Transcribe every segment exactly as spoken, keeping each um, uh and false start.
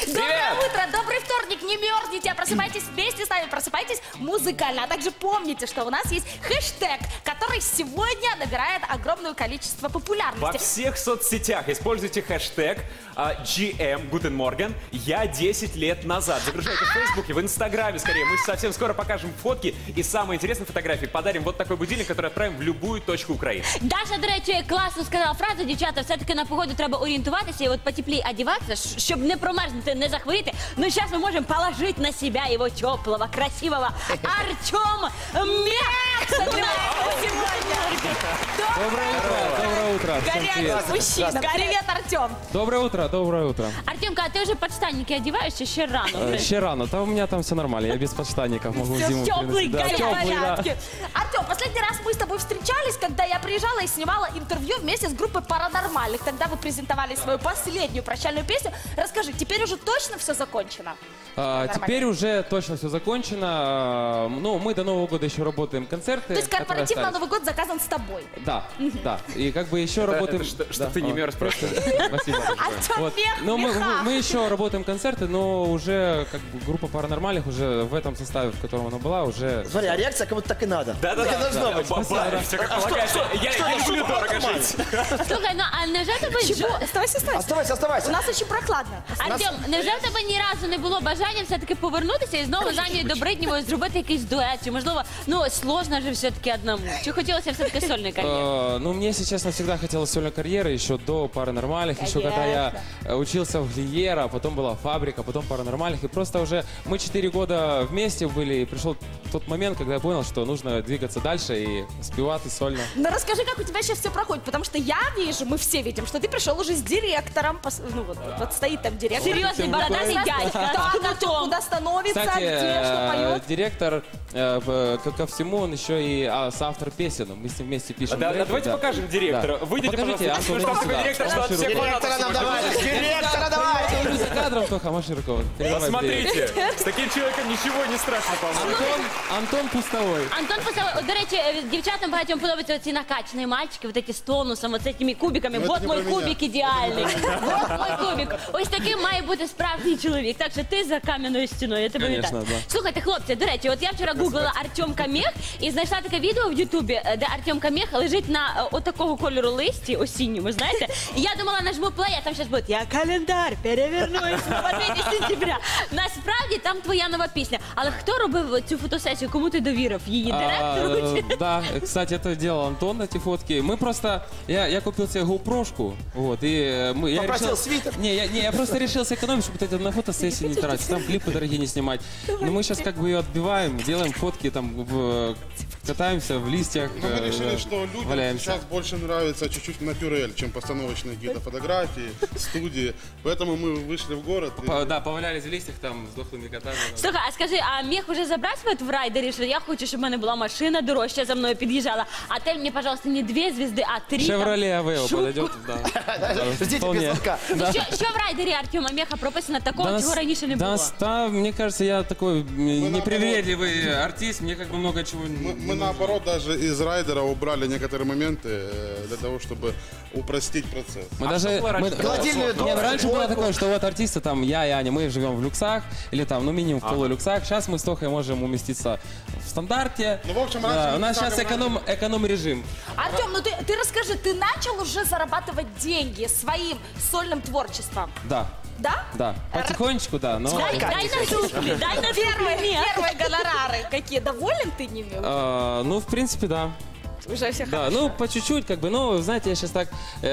Доброе утро, добрый вторник, не мерзните, а просыпайтесь вместе с нами, просыпайтесь музыкально. А также помните, что у нас есть хэштег, который сегодня набирает огромное количество популярности. Во всех соцсетях используйте хэштег джи эм Guten Morgen я десять лет назад. Загружайте в Фейсбуке, в Инстаграме скорее. Мы совсем скоро покажем фотки и самые интересные фотографии. Подарим вот такой будильник, который отправим в любую точку України. Даша, до речі, класно сказала фразу, дівчата, все-таки на погоду треба орієнтуватися і от потеплій одягатися, щоб не промерзнути, не захворіти. Ну, зараз ми можемо положити на себе його теплого, красивого Артема Мех. Доброе утро, доброе утро. Горячий мужчина. Привет, Артем. Доброе утро, доброе утро. Артемка, а ти вже подштанники одягаєш чи ще рано? Э, Ще рано, там у меня там все нормально, я без подштанников могу Все зиму теплый, переносить. Да, горячий, теплый, да. порядке. Артем, последний раз мы с тобой встречались, когда я приезжала и снимала интервью вместе с группой Паранормальных. Тогда вы презентовали свою последнюю прощальную песню. Расскажи, теперь уже точно все закончено? А, теперь уже точно все закончено. А, Ну, мы до Нового года еще работаем концерты. То есть корпоратив на остались. Новый год заказан с тобой? Да, да. И как бы еще Это- работаем... это что- Да. чтоб ты не А, мерз просто. Спасибо. Артем Вот. Мех, Но мы, Меха. мы- мы еще работаем концерты, но уже как бы группа Паранормальных уже в этом составе, в котором она была, уже... Смотри, а реакция как будто так и надо. Да-да-да. Так и должно быть. Баба, все как полагается. Я я люблю дорого жить. Слухай, ну а невже в тебе... Чего? Оставайся, оставайся. Оставайся, У оставайся. нас очень прохладно. Артем, невже в тебе ні разу не було бажання все-таки повернутися і знову з Анією Добриднєвою зробити якийсь дует? Чи, можливо, ну, сложно же все-таки одному? Чи хотілося все-таки сольної кар'єри? Э, Ну, мне, если честно, всегда хотелось сольной карьеры, еще до Паранормальных, еще когда я э, учился в Глиера, потом была фабрика, потом Паранормальных, и просто уже мы четыре года вместе были, и пришел тот момент, когда я понял, что нужно двигаться дальше и спевать и сольно. Ну расскажи, как у тебя сейчас все проходит, потому что я вижу, мы все видим, что ты пришел уже с директором, пос- ну вот, вот стоит там директор. Серьезный бородатый дядька. Да, с Артем кнутом. куда становится, Кстати, где, что э, поет. директор, э, в- ко, ко всему, он еще и а, соавтор песен, мы с ним вместе пишем. Да, треки, давайте да. покажем директора. Да. Выйдите, Покажите, пожалуйста. Антон, Что там иди такой сюда. директор, что от Маши всех рукой. фанатов Директора нам сегодня давай. будет. Директора давай. Уже за кадром, Тоха, маши рукой. Передавай привет. Посмотрите, с таким человеком ничего не страшно, по-моему. Антон, Антон Пустовой. Антон писав, от, до речі, е, дівчатам багатьом подобаються ці накачані мальчики, вот эти з тонусом, от з цими кубиками. Вот мой кубик ідеальний. Вот мой кубик. Ось таким має бути справжній чоловік. Так що ти за кам'яною стіною, я тебе Конечно, вітаю. да. Слухайте, хлопці, до речі, от я вчора гуглила Артемка Мех і знайшла таке відео в Ютубі, е, де Артемка Мех лежить на е, отакого кольору листі осінньому, знаєте? І я думала, нажму плей, а там зараз буде «Я календар перевернусь на третє сентября». Насправді там твоя нова пісня. Але хто робив цю фотосесію? Кому ти довірив? Її директору? А, чи- э, да, кстати, это делал Антон, эти фотки. Мы просто, я, я купил себе GoPro-шку, вот, и э, мы, я Попросил решил... свитер. Не, я, не, я просто решил сэкономить, чтобы это на фотосессии не тратить, там клипы дорогие не снимать. Но мы сейчас как бы ее отбиваем, делаем фотки, там, в, катаемся в листьях, Но мы э, решили, что людям валяемся. сейчас больше нравится чуть-чуть натюрель, чем постановочные какие-то фотографии, студии. Поэтому мы вышли в город. и- По- да, повалялись в листьях, там, с дохлыми котами. Слухай, а скажи, а Мех уже забрасывает в райдері, що я хочу, щоб в мене була машина дорожча, за мною під'їжджала, а ти мені, пожалуйста, не дві звізди, а три. там, Шевроле Авео шубку. подойдет, да. Ждите Вполне. без звонка. Ну, що, що в райдері Артема Меха прописано такого, Да, чого нас- раніше не да, було? нас- да, мне кажется, я такой м, непривередливый артист, мне как бы много чего... Мы, мы наоборот даже из райдера убрали некоторые моменты э, для того, чтобы упростить процесс. Мы А даже... что было раньше? мы- Холодильную Нет, доску, раньше было уборку. такое, что вот артисты, там, я и Аня, мы живем в люксах, или там, ну, минимум в полулюксах. Сейчас мы с Тохой можем уместиться в стандарте. Ну, в общем, Да, раньше у нас мы сейчас писали эконом, эконом-режим. Артем, ну ты, ты расскажи, ты начал уже зарабатывать деньги своим сольным творчеством? Да, Да? да. Потихонечку, да, но... Дай, дай на туфли, дай на Первые, туфли, Мех. первые гонорары какие? Доволен ты ними? э, ну, в принципе, да. Уже все Да, ну, по чуть-чуть, как бы, ну, знаете, я сейчас так,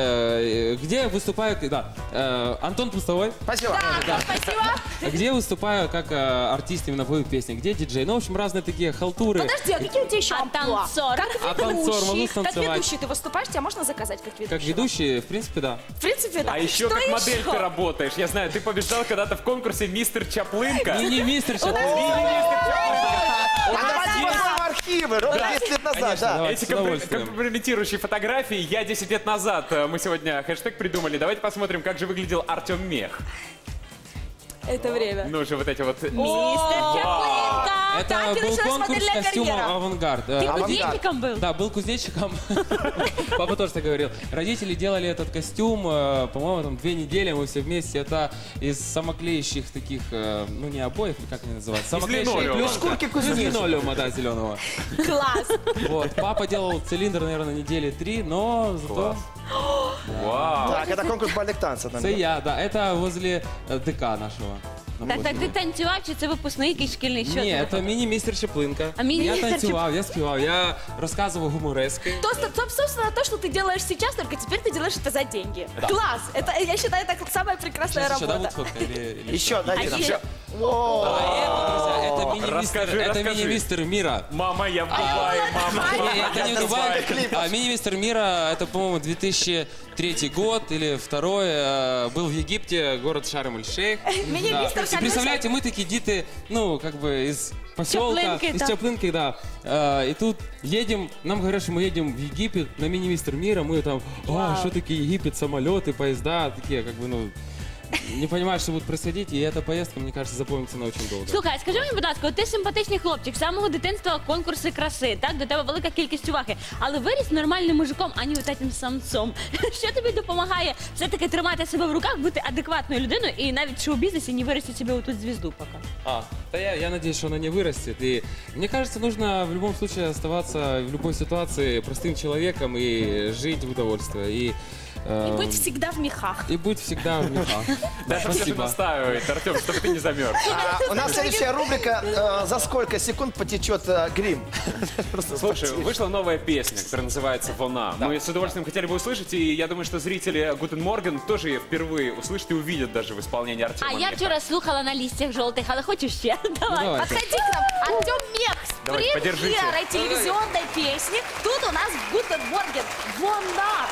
э, где выступаю, да, э, Антон Пустовой, Спасибо. Да, спасибо. где выступаю как э, артист, именно пою песни, где диджей, ну, в общем, разные такие халтуры. Подожди, а какие у тебя еще А амплуа? танцор? Как А танцор, могу ведущий? Как станцевать. ведущий ты выступаешь, тебя можно заказать как ведущий? Как ведущий, в принципе, да. В принципе, да. А еще Что как модель еще? ты работаешь. Я знаю, ты побеждал когда-то в конкурсе «Мистер Чаплынка». Не, не мистер Чаплин. Мини-мистер Чаплынка. У А нас давайте есть- посмотрим архивы, ровно десять лет назад, Конечно, да. давай. Эти с компр- удовольствием. компрометирующие фотографии «Я десять лет назад» э, мы сегодня хэштег придумали. Давайте посмотрим, как же выглядел Артем Мех. это время? Ну же, вот эти вот... Мистер Чаплинка! Это Так и был началась конкурс модельная костюмов карьера. «Авангард». Ты Э, кузнечиком был? Да, был кузнечиком. Папа тоже так говорил. Родители делали этот костюм, э, по-моему, там две недели мы все вместе. Это из самоклеящих таких, э, ну не обоев, или как они называются? Самоклеящая линолеума. пленка. Шкурки Из кузнечика. линолеума, да, зеленого. Класс. Вот. Папа делал цилиндр, наверное, недели три, но зато... Вау. Так, это конкурс бальных танцев. Це я, да. Это возле э, ДК нашего. Так, так ти танцював, чи це випускний якийсь шкільний? Що Ні, це? це міні-містер Чаплинка. А міні-містер Я танцював, я співав, я розказував гуморески. То, что- то, собственно, то, что ты делаешь сейчас, только теперь ты делаешь это за деньги. Класс! Это, я считаю, это самая прекрасная Сейчас еще работа. дадут фотку или, или Еще, что? дайте А нам. еще- О, А это, друзья, это мини-мистер, Расскажи, это расскажи. мини-мистер мира. Мама, я в Дубае, мама. Не, это не Это Дубай, клип. а мини-мистер мира, это, по-моему, две тысячи третий год или второй, э, был в Египте, город Шарм-эль-Шейх. Мини-мистер И Шарм-эль-Шейх. представляете, мы такие диты, ну, как бы из поселка, Чаплинки, из да. Чаплинки, да. Э, И тут едем, нам говорят, что мы едем в Египет на мини-мистер мира, мы там, а, что такие Египет, самолеты, поезда, такие, как бы, ну, не понимаешь, что будет происходить, и эта поездка, мне кажется, запомнится на очень долго. Слухай, скажи мені, будь ласка, от ти симпатичний хлопчик, з самого дитинства конкурси краси, так? До тебе велика кількість уваги. Але виріс нормальним мужиком, а не от этим самцом. Що тобі допомагає все-таки тримати себе в руках, бути адекватною людиною і навіть в шоу-бізнесі не вирости себе отут звезду поки? А, да я, я надеюсь, что она не вырастет. И мне кажется, нужно в любом случае оставаться в любой ситуации простым человеком и жить в удовольствие. И, э, И быть всегда в мехах. и быть всегда в мехах. Даже все же Спасибо. настаивает, Артем, чтобы ты не замерз. а, у нас следующая рубрика э, «За сколько секунд потечет э, грим?» Просто Слушай, спасибо. вышла новая песня, которая называется «Волна». Мы с удовольствием хотели бы услышать, и я думаю, что зрители Гутен Морген тоже ее впервые услышат и увидят даже в исполнении Артема А я Меха. вчора слухала на листях жовтих, але хочу ще. Давай. Давай. Подходи к нам, Артем Мех с Давайте, подержите. премьерой телевизионной песни. Тут у нас Гутен Морген. Волна.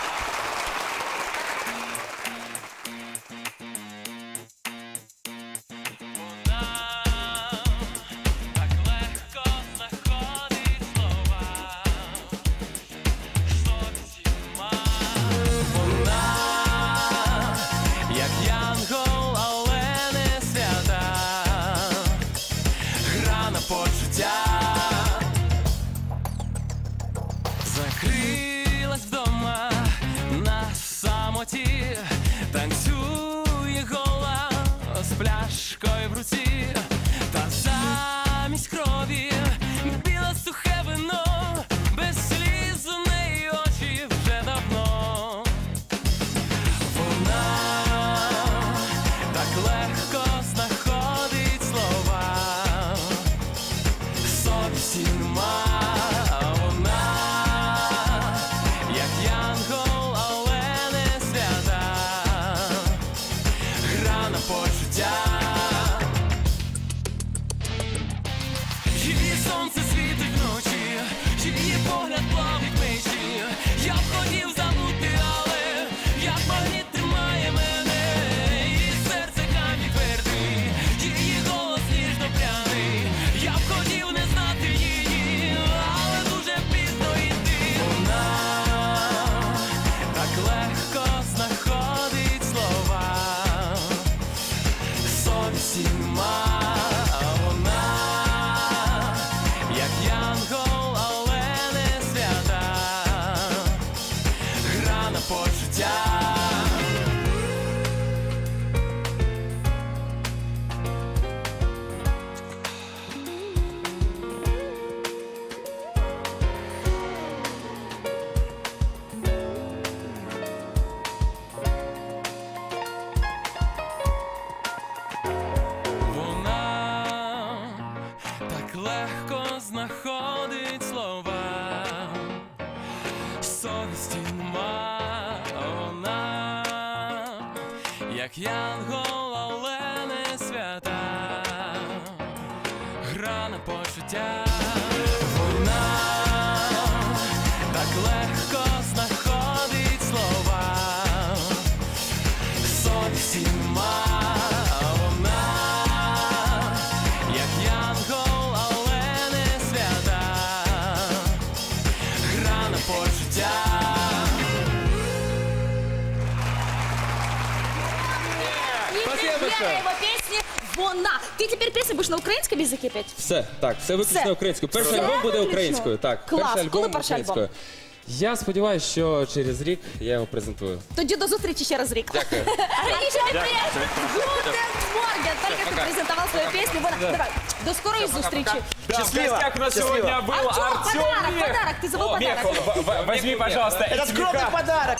Як янгол, але не свята, гра на почуття, закрилась вдома на самоті, танцює гола з пляшкою в руці, та замість крові біле сухе вино, без сліз у неї очі вже давно. Вона так легко знаходить слова, совісті нема. Вона як янгол, але не свята, гра на почуття. Її сонце світить вночі, її погляд плавить мечі. Я б хотів забути, але як магніт тримає мене, її серце камінь твердий, її голос ніжно пряний. Я б хотів не знати її, але дуже пізно йти. Вона так легко знаходить слова, совісті нема. Вона як янгол, але не свята, гра на почуття. Вона так легко знаходить слова, совісті нема. Вона як янгол, але не свята, гра на почуття. Вона так легко знаходить слова, совісті нема. Вона як янгол, але не свята, гра на почуття. И Спасибо премьера большое. его песни Вона. Ти тепер пісні будеш на українському язикі петь? Все, так, все виключно Все. українською. Перший Все альбом буде виключно? українською. Так, Клас. перший Коли альбом перший альбом? українською. Я сподіваюся, що через рік я його презентую. Тоді до зустрічі ще раз рік. Дякую. Раніше не Гутен Морген. Только ты презентовал свою песню. Вона. Давай, до скорої зустрічі. Да, в Счастливо, гостях у нас счастливо. сегодня был Артем, Артем подарок, Мех. подарок, ты забыл Мех, подарок. в- в- возьми, пожалуйста, Это эти скромный меха. подарок.